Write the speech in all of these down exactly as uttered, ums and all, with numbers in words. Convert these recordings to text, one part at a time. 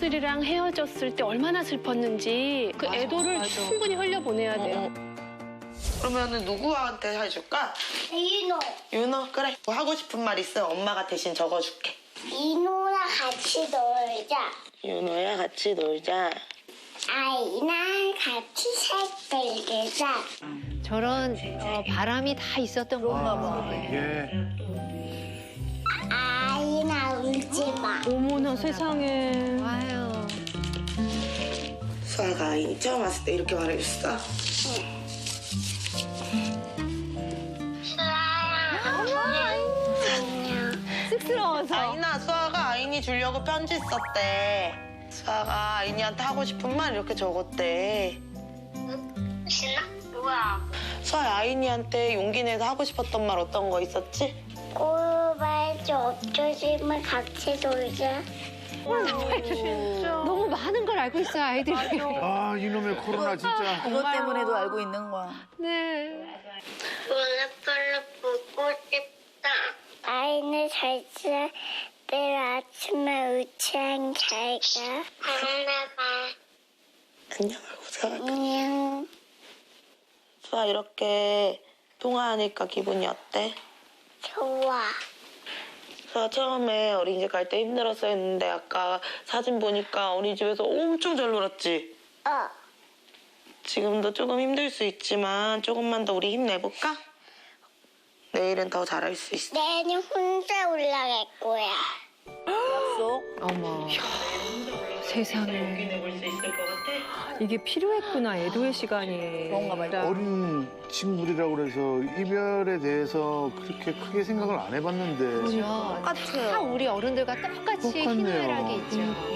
친구들이랑 헤어졌을 때 얼마나 슬펐는지 그 애도를 맞아. 충분히 흘려보내야 돼요. 그러면은 누구한테 해줄까? 이노. 윤호? 그래. 뭐 하고 싶은 말 있으면 엄마가 대신 적어줄게. 이노랑 같이 놀자. 윤호야 같이 놀자. 아이랑 같이 색 들자. 저런 어, 바람이 다 있었던 건가 봐. 이게 아이나 울지 마. 어머나 세상에. 와요. 수아가 아이 처음 왔을 때 이렇게 말해줬어? 쑥스러워서. 아이나 수아가 아이니 주려고 편지 썼대. 수아가 아이니한테 하고 싶은 말 이렇게 적었대. 신나? 뭐야? 수아 아이니한테 용기 내서 하고 싶었던 말 어떤 거 있었지? 꼬발지 없어지면 같이 놀자. 너무 많은 걸 알고 있어요, 아이들이. 아 이놈의 코로나 진짜. 이것 때문에도 알고 있는 거야. 네. 오늘 별로 보고 싶다. 아이는 잘 자. 내일 아침에 우체랑 잘 가. 안나봐. 안녕하고 수아. 안녕. 수아 이렇게 통화하니까 기분이 어때? 좋아. 수아 처음에 어린이집 갈 때 힘들었어 했는데 아까 사진 보니까 어린이집에서 엄청 잘 놀았지? 어. 지금도 조금 힘들 수 있지만 조금만 더 우리 힘내볼까? 내일은 더 잘할 수 있어. 내일은 혼자 올라갈 거야. 약속. 어머. 세상에. 내볼 수 있을 것 같아? 이게 필요했구나, 애도의 시간이. 그런가 봐요. 어린 친구들이라고 그래서 이별에 대해서 그렇게 크게 생각을 안 해봤는데 똑같아요. 다 우리 어른들과 똑같이 똑같네요. 희노애락이 있죠.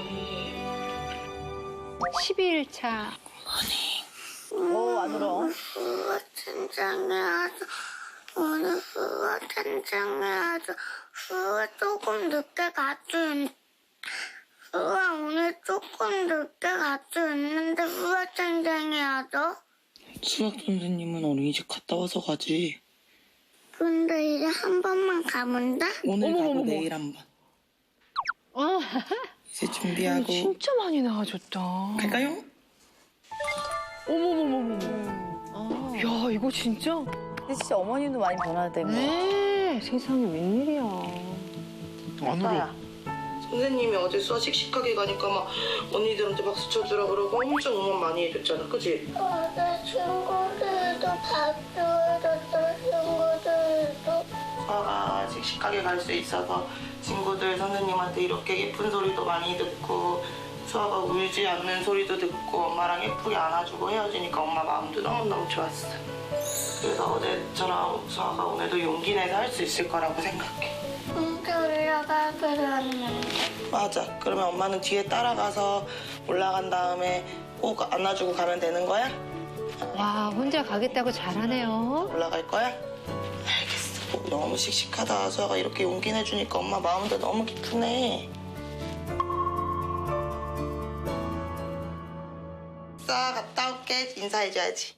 십이 일 차. 어, 안 울어. 후가 ten장에 와서 오늘 후가 ten장에 와서 후가 조금 늦게 갔죠. 후가 오늘 조금 늦게 갔죠. 있는데 후가 ten장에 와서 수학 선생님은 어린이집 갔다 와서 가지. 근데 이제 한 번만 가면 돼? 오늘 가고 어머머머머. 내일 한 번. 어. 이제 준비하고 진짜 많이 나아졌다. 갈까요? 어머머머머. 어. 야, 이거 진짜. 근데 진짜 어머님도 많이 변하대요. 네. 세상에 웬일이야. 안 울어. 선생님이 어제 수아 씩씩하게 가니까 막 언니들한테 박수 쳐주라 그러고 엄청 응원 많이 해줬잖아, 그치? 어제 친구들도 밥줘줬어. 친구들도. 수아가 씩씩하게 갈 수 있어서 친구들 선생님한테 이렇게 예쁜 소리도 많이 듣고 수아가 울지 않는 소리도 듣고 엄마랑 예쁘게 안아주고 헤어지니까 엄마 마음도 너무너무 좋았어. 그래서 어제처럼 수아가 오늘도 용기 내서 할 수 있을 거라고 생각해. 혼자 올라가기로 했는데. 맞아. 그러면 엄마는 뒤에 따라가서 올라간 다음에 꼭 안아주고 가면 되는 거야? 와, 혼자 가겠다고 잘하네요. 올라갈 거야? 알겠어. 너무 씩씩하다. 수아가 이렇게 용기 내주니까 엄마 마음도 너무 기쁘네. 수아 갔다 올게. 인사해줘야지.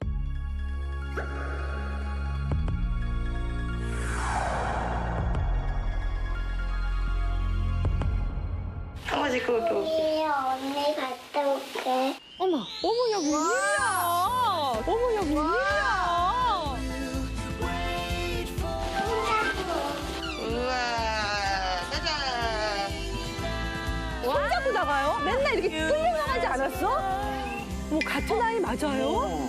한 번씩 그거 그거. 예, 언니 갔다 올게. 어머. 어머, 야, 웬일이야. 어머, 야, 웬일이야. 우와, 짜잔. 손잡고 나가요? 맨날 이렇게 끌려나가지 않았어? 뭐 같은 아이 맞아요?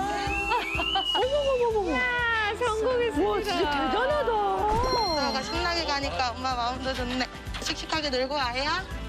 어머머머머머. 아, 성공했습니다. 와, 진짜 대단하다. 수아가 신나게 가니까 엄마 마음도 좋네. 씩씩하게 놀고 와야?